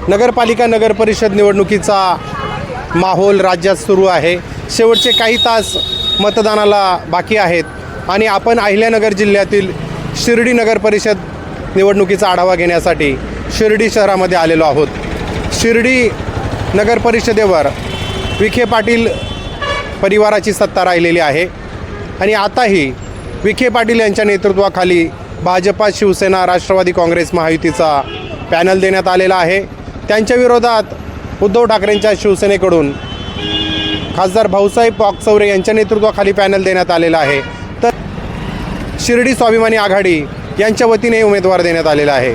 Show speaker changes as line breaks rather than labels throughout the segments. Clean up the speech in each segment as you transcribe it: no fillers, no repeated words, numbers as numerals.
नगरपालिका नगरपरिषद निवडणुकीचा माहोल राज्यात सुरू आहे. शेवटचे काही तास मतदानाला बाकी आहेत आणि आपण अहिल्यानगर जिल्ह्यातील शिर्डी नगरपरिषद निवडणुकीचा आढावा घेण्यासाठी शिर्डी शहरामध्ये आलेलो आहोत. शिर्डी नगरपरिषदेवर विखे पाटील परिवाराची सत्ता राहिलेली आहे आणि आताही विखे पाटील यांच्या नेतृत्वाखाली भाजपा, शिवसेना, राष्ट्रवादी काँग्रेस महायुतीचा पॅनल देण्यात आलेला आहे. त्यांच्या विरोधात उद्धव ठाकरेंच्या शिवसेनेकडून खासदार भाऊसाहेब वाकचौरे यांच्या नेतृत्वाखाली पॅनल देण्यात आलेला आहे. तर शिर्डी स्वाभिमानी आघाडी यांच्या वतीने उमेदवार देण्यात आलेला आहे.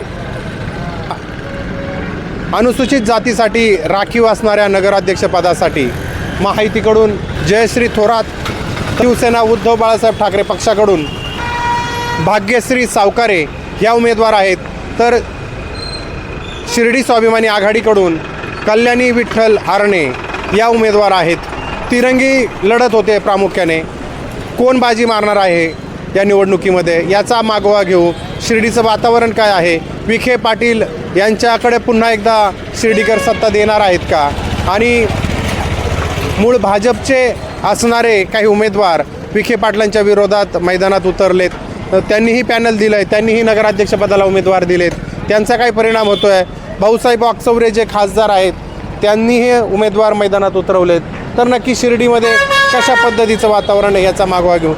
अनुसूचित जातीसाठी राखीव असणाऱ्या नगराध्यक्षपदासाठी महायुतीकडून जयश्री थोरात, शिवसेना उद्धव बाळासाहेब ठाकरे पक्षाकडून भाग्यश्री सावकारे या उमेदवार आहेत. तर शिर्डी स्वाभिमानी आघाडीकडून कल्याणी विठ्ठल आरणे या उमेदवार आहेत. तिरंगी लढत होते. प्रामुख्याने कोण बाजी मारणार आहे या निवडणुकीमध्ये याचा मागोवा घेऊ. शिर्डीचं वातावरण काय आहे, विखे पाटील यांच्याकडे पुन्हा एकदा शिर्डीकर सत्ता देणार आहेत का, आणि मूळ भाजपचे असणारे काही उमेदवार विखे पाटलांच्या विरोधात मैदानात उतरलेत. त्यांनीही पॅनल दिलं आहे, त्यांनीही नगराध्यक्षपदाला उमेदवार दिलेत. त्यांचा काय परिणाम होतो आहे. भाऊसाहेब वाकचौरे जे खासदार आहेत त्यांनीही उमेदवार मैदानात उतरवलेत. तर नक्की शिर्डीमध्ये कशा पद्धतीचं वातावरण आहे याचा मागोवा घेऊ.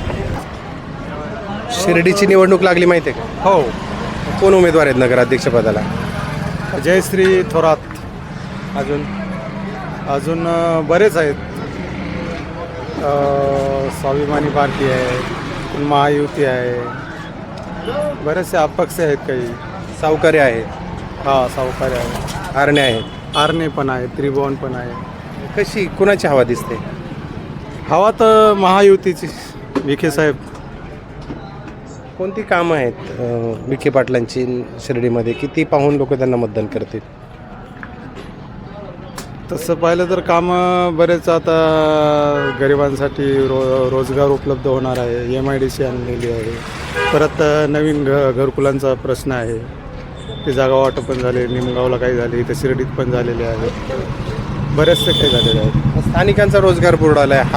शिर्डीची निवडणूक लागली माहिती आहे का?
हो.
कोण उमेदवार आहेत नगराध्यक्षपदाला?
जयश्री थोरात.
अजून
अजून बरेच आहेत. स्वाभिमानी पार्टी आहे, महायुती आहे, बरेचसे अपक्ष आहेत. काही
सावकारे आहेत,
सावकारी आहे,
आरणे आहेत,
आरणे पण आहे, त्रिभुवन पण आहे.
कशी कुणाची हवा दिसते?
हवा तर महायुतीची. विखे साहेब.
कोणती कामं आहेत विखे पाटलांची शिर्डीमध्ये की ती पाहून लोक त्यांना मतदान करतील?
तसं पाहिलं तर कामं बरेच. आता गरिबांसाठी रोजगार उपलब्ध होणार आहे. MIDC आणलेली आहे. परत नवीन घरकुलांचा प्रश्न आहे. ते जागा वाटप पण झाले. निमगावला काही झाले, इथं शिर्डीत पण झालेले आहेत. बरेचसे काही झालेले आहेत.
स्थानिकांचा रोजगार बुडाला आहे.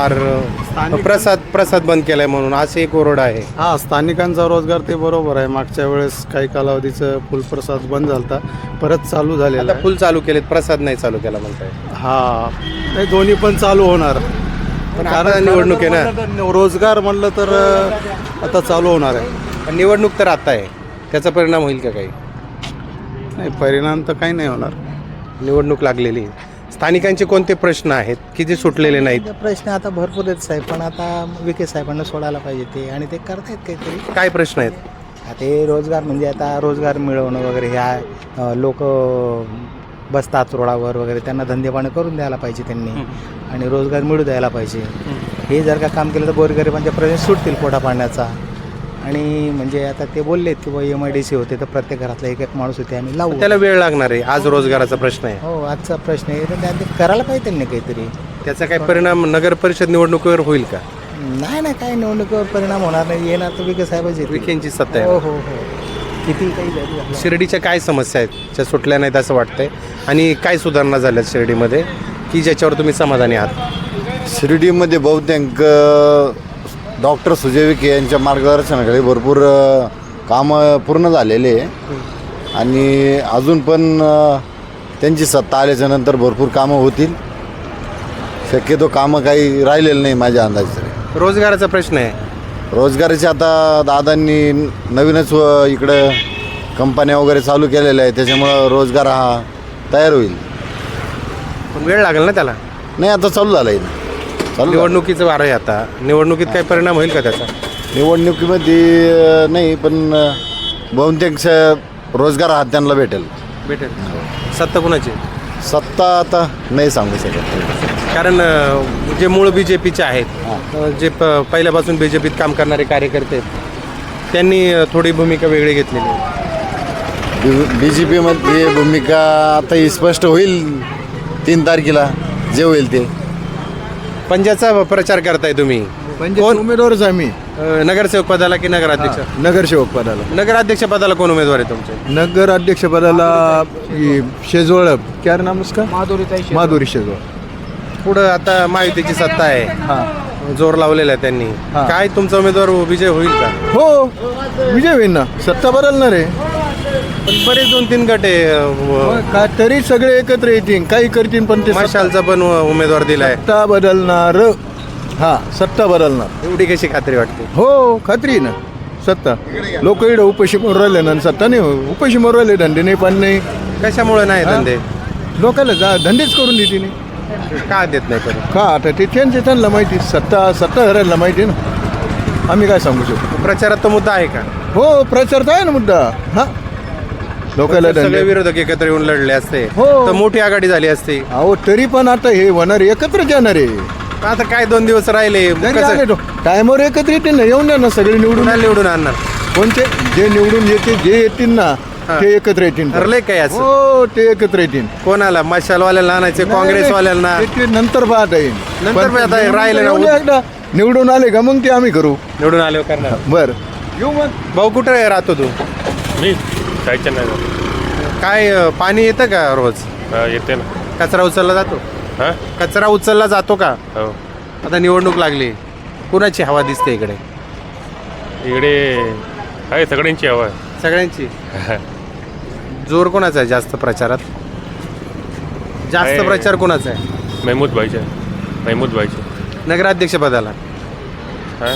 प्रसाद बंद केलाय म्हणून असं एक ओरड आहे.
स्थानिकांचा रोजगार ते बरोबर आहे. मागच्या वेळेस काही कालावधीचं फुलप्रसाद बंद झाला, परत चालू झालेला.
फुल चालू केलेत, प्रसाद नाही चालू केला म्हणताय.
नाही, दोन्ही पण चालू होणार.
पण कारण निवडणूक आहे ना.
रोजगार म्हणलं तर आता चालू होणार आहे.
निवडणूक तर आता आहे, त्याचा परिणाम होईल का काही?
नाही, परिणाम तर काही नाही होणार.
निवडणूक लागलेली. स्थानिकांचे कोणते प्रश्न आहेत की जे सुटलेले नाहीत?
प्रश्न आता भरपूर आहेत साहेब, पण आता विखे साहेबांना सोडायला पाहिजे ते, आणि ते करतायत काहीतरी.
काय प्रश्न आहेत?
आता हे रोजगार म्हणजे आता रोजगार मिळवणं वगैरे, ह्या लोक बसतात रोडावर वगैरे, त्यांना धंदेपाणी करून द्यायला पाहिजे त्यांनी, आणि रोजगार मिळू द्यायला पाहिजे. हे जर का काम केलं तर गोरगरिबांचे प्रश्न सुटतील पोटा पाण्याचा. आणि म्हणजे आता ते बोललेत की बाबा MIDC होते तर प्रत्येक घरातला एक माणूस होते, आम्ही लावू.
त्याला वेळ लागणार आहे. आज रोजगाराचा प्रश्न आहे.
हो, आजचा प्रश्न आहे, तर ते करायला पाहिजे त्यांनी काहीतरी.
त्याचा काय परिणाम नगर परिषद निवडणुकीवर होईल का?
नाही, काही निवडणुकीवर परिणाम होणार नाही. येणार तर विखे साहेबांची.
विखेंची सत्ता
हो
आहे.
हो हो. किती काही झाली.
शिर्डीच्या काय समस्या आहेत ज्या सुटल्या नाहीत असं वाटतंय, आणि काय सुधारणा झाल्यात शिर्डीमध्ये की ज्याच्यावर तुम्ही समाधानी आहात?
शिर्डीमध्ये बहुतेक डॉक्टर सुजय विखे यांच्या मार्गदर्शनाखाली भरपूर कामं पूर्ण झालेले आहे, आणि अजून पण त्यांची सत्ता आल्याच्यानंतर भरपूर कामं होतील. शक्यतो कामं काही राहिलेलं नाही माझ्या अंदाजाने.
रोजगाराचा प्रश्न आहे.
रोजगाराचे आता दादांनी नवीनच इकडं कंपन्या वगैरे चालू केलेल्या आहे, त्याच्यामुळं रोजगार हा तयार होईल.
पण वेळ लागेल ना त्याला.
नाही, आता चालू झालं आहे.
निवडणुकीचं वारं आहे आता. निवडणुकीत काही परिणाम होईल का त्याचा?
निवडणुकीमध्ये नाही, पण बहुतेक रोजगार हा त्यांना भेटेल.
सत्ता कुणाची?
सत्ता आता नाही सांगू शकत,
कारण जे मूळ BJPचे आहेत, जे पहिल्यापासून BJPत काम करणारे कार्यकर्ते आहेत, त्यांनी थोडी भूमिका वेगळी घेतलेली आहे.
BJPमध्ये भूमिका आता ही स्पष्ट होईल 3 तारखेला, जे होईल ते.
पंजाचा प्रचार करताय तुम्ही?
म्हणजे उमेदवारच आम्ही
नगरसेवक पदाला की नगराध्यक्ष?
नगरसेवक पदाला.
नगराध्यक्ष पदाला कोण उमेदवार आहे तुमचे?
नगर अध्यक्ष पदाला शेजवळ क्या नाम उसका, माधुरी शेजवळ.
पुढं आता महायुतीची सत्ता आहे,
हां
जोर लावलेला आहे त्यांनी.
हा.
काय तुमचा उमेदवार विजय होईल का?
हो, विजय होईल ना, सत्ता बदलणार आहे.
पण बरेच 2-3 गट आहे.
का तरी सगळे एकत्र येतील, काही करतील, पण ते
मशालचा पण उमेदवार दिलाय.
सत्ता बदलणार. हा, सत्ता बदलणार.
एवढी कशी खात्री वाटते?
हो, खात्री आहे ना. सत्ता लोक इकडं उपाशी मरू राहिले ना, सत्ता नाही उपाशी मरू राहिले, धंदे नाही, पाणी नाही.
कशामुळे नाही धंदे?
लोकांना धंदेच करून देते नाही.
का देत नाही करून?
का आता ते त्यांना माहिती, सत्ता हरायला माहिती ना, आम्ही काय सांगू शकतो.
प्रचारात तो मुद्दा आहे का?
हो, प्रचार तर आहे ना मुद्दा. हा, लोकांना
सगळे
धंदे.
विरोधक एकत्र येऊन लढले असते
हो.
तर मोठी आघाडी झाली असती.
अहो, तरी पण आता हे होणार एकत्र येणार आहे.
आता काय 2 दिवस राहिले, कसं
टायमावर एकत्र येतील ना, येऊन द्या ना, सगळे निवडून.
कुणाला निवडून आणणार?
कोणते जे निवडून येते, जे येतील ना,
हा.
ते एकत्र येतील.
ठरलंय काय असं?
हो, ते एकत्र येतील.
कोणाला? मशालवाल्याला आणायचे, काँग्रेसवाल्यांना?
ते नंतर पाहता येईल.
नंतर
पण
पाहता येईल, राहिले ना.
येऊन द्या एकदा. निवडून आले का मग ते आम्ही करू.
निवडून आल्यावर करणार.
बर, येऊ मग.
भाऊ कुठे राहतो तू?
मी जायचं नाही.
काय पाणी येतं का रोज?
येते ना.
कचरा उचलला जातो?
हां,
कचरा उचलला जातो का?
हो.
आता निवडणूक लागली, कुणाची हवा दिसते इकडे?
इकडे आहे सगळ्यांची हवा आहे.
सगळ्यांची. जोर कोणाचा आहे जास्त प्रचारात? जास्त
आहे.
प्रचार कोणाचा आहे?
महमूद भाईचे.
नगराध्यक्ष पदाला.
हां,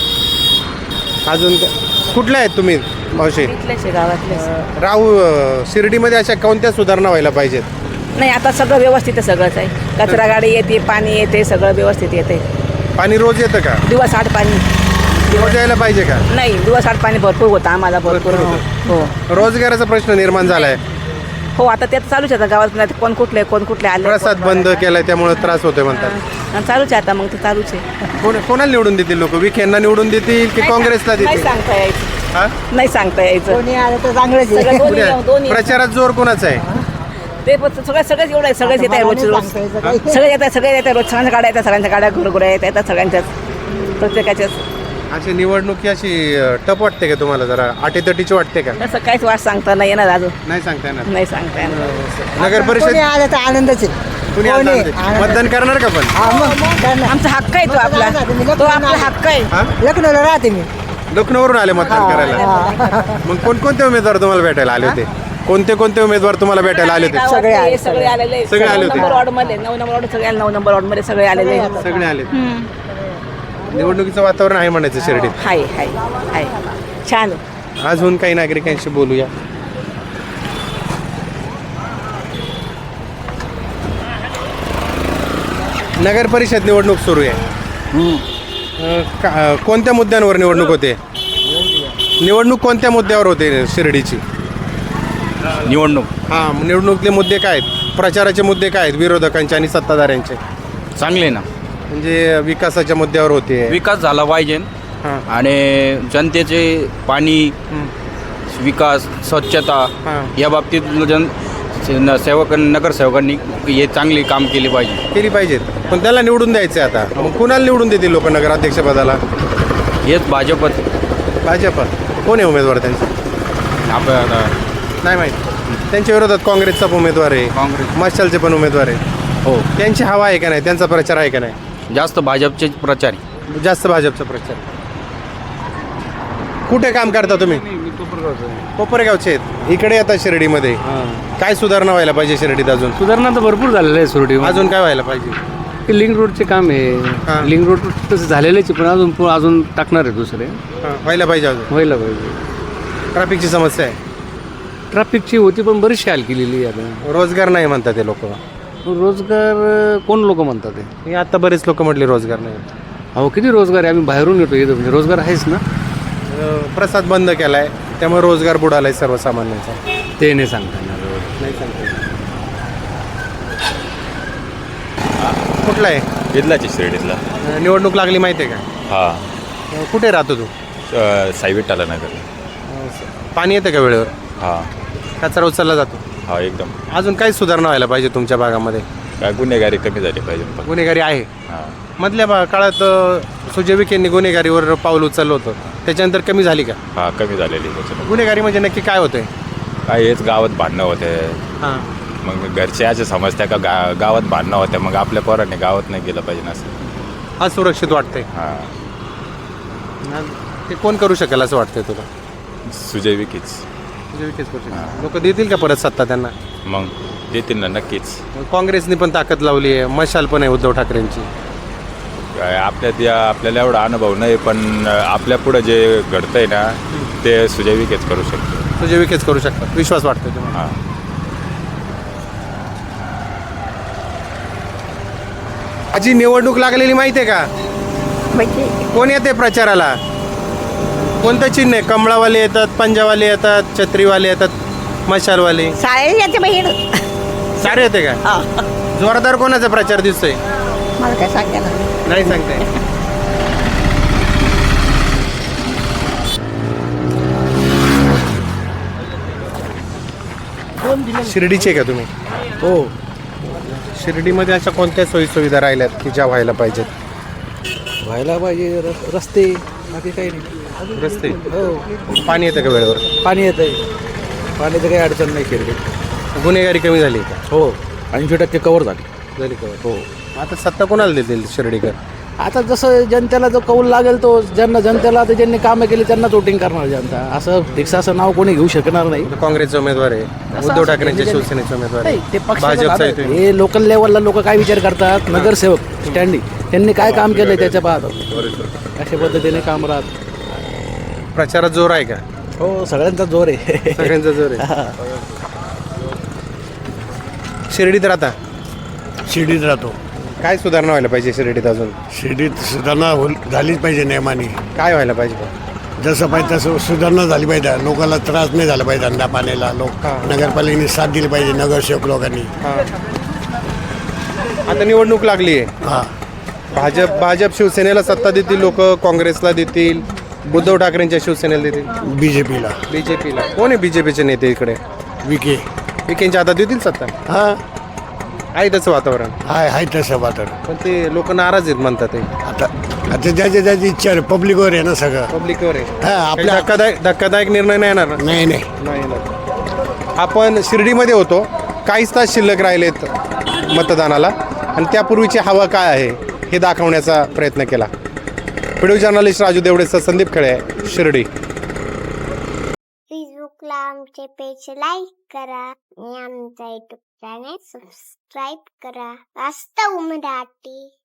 अजून कुठल्या आहेत तुम्ही मावशी?
गावातले
राहू शिर्डीमध्ये अशा कोणत्या सुधारणा व्हायला पाहिजेत?
नाही, आता सगळं व्यवस्थित आहे, सगळंच आहे. कचरा गाडी येते, पाणी येते, सगळं व्यवस्थित येते.
पाणी रोज येतं का?
दिवस आड पाणी.
रोज यायला पाहिजे का?
नाही, दिवस आड पाणी भरपूर होतं आम्हाला, भरपूर. हो
रोजगाराचा प्रश्न निर्माण झालाय.
हो, आता ते चालूच आहे. आता गावात कोण कुठले आले,
प्रसाद बंद केलाय त्यामुळे त्रास होतोय म्हणतात.
आणि चालूच आहे आता, मग ते चालूच आहे.
कोणाला निवडून देतील लोक? विखेंना निवडून देतील की काँग्रेसला
नाही
देतील?
सांगता यायचं.
हा?
नाही सांगता यायचं. सगळं दोन्ही
प्रचारात जोर कोणाचा आहे?
ते सगळंच एवढं आहे. सगळेच येत आहे रोज सगळे येत आहे रोज. सगळ्यांच्या गाड्या येतात, सगळ्यांच्या गाड्या घरघुऱ्या येतात, सगळ्यांच्याच, प्रत्येकाच्याच.
अशी निवडणुकी अशी टप वाटते का तुम्हाला? जरा अटीतटीची वाटते का?
तसं काहीच वाट सांगता नाही येणार अजून.
नाही सांगता येणार.
नाही सांगता येणार.
नगर परिषद
आलं तर आनंदच आहे.
कुणी
कोणी?
आणणार ते? मतदान करणार का पण?
हा, मग करणार.
आमचा हक्क आहे तो आपला. तो आपला हक्क आहे.
हा?
लखनौला राहते मी.
लखनौवरून आले मतदान करायला. मग कोणकोणते उमेदवार तुम्हाला भेटायला आले होते? कोणते उमेदवार तुम्हाला भेटायला आले होते?
सगळे आले,
सगळे आलेले आहेत.
सगळे आले होते.
9 नंबर वॉर्ड मध्ये 9 नंबर वॉर्ड सगळे 9 नंबर वॉर्ड मध्ये सगळे आलेले आहेत.
सगळे आले. निवडणुकीचं वातावरण आहे म्हणायचं शिर्डीत.
हाय हाय हाय, छान आहे.
अजून काही नागरिकांशी बोलूया. नगर परिषद निवडणूक सुरू आहे. कोणत्या मुद्द्यांवर निवडणूक होते? निवडणूक कोणत्या मुद्द्यावर होते शिर्डीची? निवडणुकीतले मुद्दे काय आहेत? प्रचाराचे मुद्दे काय आहेत विरोधकांचे आणि सत्ताधाऱ्यांचे?
चांगले ना,
म्हणजे विकासाच्या मुद्द्यावर होते.
विकास झाला पाहिजे
हां.
आणि जनतेचे पाणी, विकास, स्वच्छता
हां.
या बाबतीत नगरसेवकांनी हे चांगली काम केली पाहिजे.
केली पाहिजेत. पण त्याला निवडून द्यायचं आता. मग कुणाला निवडून देतील लोक नगराध्यक्षपदाला?
हेच भाजपत.
भाजप. कोण आहे उमेदवार त्यांचे?
आपल्याला
नाही माहीत. त्यांच्या विरोधात काँग्रेसचा पण उमेदवार आहे,
काँग्रेस.
मशालचे पण उमेदवार आहे.
हो,
त्यांची हवा आहे का नाही? त्यांचा प्रचार आहे का नाही?
जास्त भाजपचे प्रचारी.
जास्त भाजपचा प्रचार. कुठे काम करता तुम्ही? कोपरगावचे आहेत. इकडे येतात शिर्डीमध्ये. काय सुधारणा व्हायला पाहिजे शिर्डीत अजून?
सुधारणा तर भरपूर झालेलं आहे सुरडी.
अजून काय व्हायला पाहिजे?
ते लिंक रोडचे काम
हां.
आहे. लिंक रोड तसं झालेलेच आहे, पण अजून टाकणार आहे दुसरे.
व्हायला पाहिजे अजून.
व्हायला पाहिजे.
ट्रॅफिकची समस्या आहे.
ट्रॅफिकची होती पण बरीचशी हाल केलेली आहे आता.
रोजगार नाही म्हणतात ते लोक.
रोजगार कोण लोक म्हणतात ते?
हे आता बरेच लोक म्हटले रोजगार नाही.
अहो, किती रोजगार आहे? आम्ही बाहेरून येतो इथं, म्हणजे रोजगार आहेच ना.
प्रसाद बंद केलाय त्यामुळे रोजगार बुडालाय सर्वसामान्यांचा.
ते नाही सांगता येणार.
नाही सांगता. कुठला आहे?
इथलाची शिर्डीतला.
निवडणूक लागली माहिती आहे का?
हां,
कुठे राहतो तू?
साईविट्टाला नगर.
पाणी येतं का वेळेवर?
हां
कचरा उचलला जातो?
हां एकदम.
अजून काही सुधारणा व्हायला पाहिजे तुमच्या भागामध्ये?
काय गुन्हेगारी कमी झाली पाहिजे.
गुन्हेगारी आहे.
हां
मधल्या काळात सुजय विखेंनी गुन्हेगारीवर पाऊल उचललं होतं, त्याच्यानंतर कमी झाली का?
हा कमी झालेली त्याच्यात.
गुन्हेगारी म्हणजे नक्की काय होतंय?
काय हेच गावात भांडणं होते,
हां,
मग घरचे असे समजत्या का गावात भांडणं होत्या, मग आपल्या पोरांनी गावात नाही गेलं पाहिजे असं.
असुरक्षित वाटतंय.
हां
ते कोण करू शकेल असं वाटतंय तुला?
सुजय विखेच.
सुजय विखेच करू शकेल. लोक देतील का परत सत्ता त्यांना?
मग देतील ना नक्कीच.
काँग्रेसने पण ताकद लावली आहे, मशाल पण आहे उद्धव ठाकरेंची.
काय आपल्याला एवढा अनुभव नाही, पण आपल्या पुढं जे घडतंय ना ते सुजय विखेच करू शकतो.
सुजय विखेच करू शकतात, विश्वास वाटतोय तुम्हाला?
हां
आजी निवडणूक लागलेली माहिती आहे का? कोण येते प्रचाराला? कोणतं चिन्ह आहे? कमळावाले येतात, पंजावाले येतात, छत्रीवाले येतात, मशालवाले,
सारे याचे बहीण
सारे येते का? जोरदार कोणाचा प्रचार दिसतोय?
मला काय सांगा ना.
नाही सांगताय. शिर्डीचे का तुम्ही?
हो.
शिर्डीमध्ये अशा कोणत्या सोयीसुविधा राहिल्यात की ज्या व्हायला पाहिजेत?
व्हायला पाहिजे रस्ते, बाकी काही नाही.
रस्ते,
हो.
पाणी येतं का वेळेवर?
पाणी येत आहे, पाण्याचं काही अडचण नाही शिर्डीत.
गुन्हेगारी कमी झाली का?
हो, 80% कवर झाली.
हो. आता सत्ता कोणाला देतील शिर्डीकर?
आता जसं जनतेला जो कौल लागेल तो जनतेला आता ज्यांनी कामं केली त्यांनाच वोटिंग करणार जनता. असं फिक्स असं नाव कोणी घेऊ शकणार नाही.
काँग्रेसचे उमेदवार आहे, उद्धव ठाकरेंच्या शिवसेनेचे उमेदवार आहे,
ते
भाजपचा आहे
पक्ष
तुम्ही.
हे लोकल लेवलला लोक काय विचार करतात, नगरसेवक स्टँडिंग त्यांनी काय काम केलंय त्याच्या पाहतो, अशा पद्धतीने काम राहत.
प्रचारात जोर आहे का?
हो, सगळ्यांचा जोर आहे.
सगळ्यांचा जोर आहे. शिर्डीत राहता?
शिर्डीत राहतो.
काय सुधारणा व्हायला पाहिजे शिर्डीत अजून?
शिर्डीत सुधारणा झालीच पाहिजे नियमाने.
काय व्हायला पाहिजे?
जसं पाहिजे तसं सुधारणा झाली पाहिजे. लोकांना त्रास नाही झाला पाहिजे धंदा पाण्याला. नगरपालिकेने साथ दिली पाहिजे, नगरसेवक लोकांनी.
आता निवडणूक लागली आहे.
हां,
भाजप शिवसेनेला सत्ता देतील लोक, काँग्रेसला देतील, उद्धव ठाकरेंच्या शिवसेनेला देतील,
बीजेपीला.
बीजेपीला. कोण आहे बीजेपीचे नेते इकडे?
विखे.
विखेंच्या हातात देतील सत्ता?
हां,
आहे तसं वातावरण,
हाय तसं वाटत.
पण ते लोक नाराज आहेत म्हणतात. ते
आता ज्याची इच्छा आहे, पब्लिकवर आहे ना सगळं.
पब्लिकवर आहे.
हां, आपल्या
धक्कादायक निर्णय नाही येणार?
नाही.
आपण शिर्डीमध्ये होतो, काहीच तास शिल्लक राहिलेत मतदानाला, आणि त्यापूर्वीची हवा काय आहे हे दाखवण्याचा प्रयत्न केला. व्हिडिओ जर्नलिस्ट राजू देवडेसह संदीप खळे, शिर्डी.
फेसबुकला आमचे पेज लाईक करा आणि आमचा युट्यूब चॅनेल सबस्क्राईब करा. वास्तव मराठी.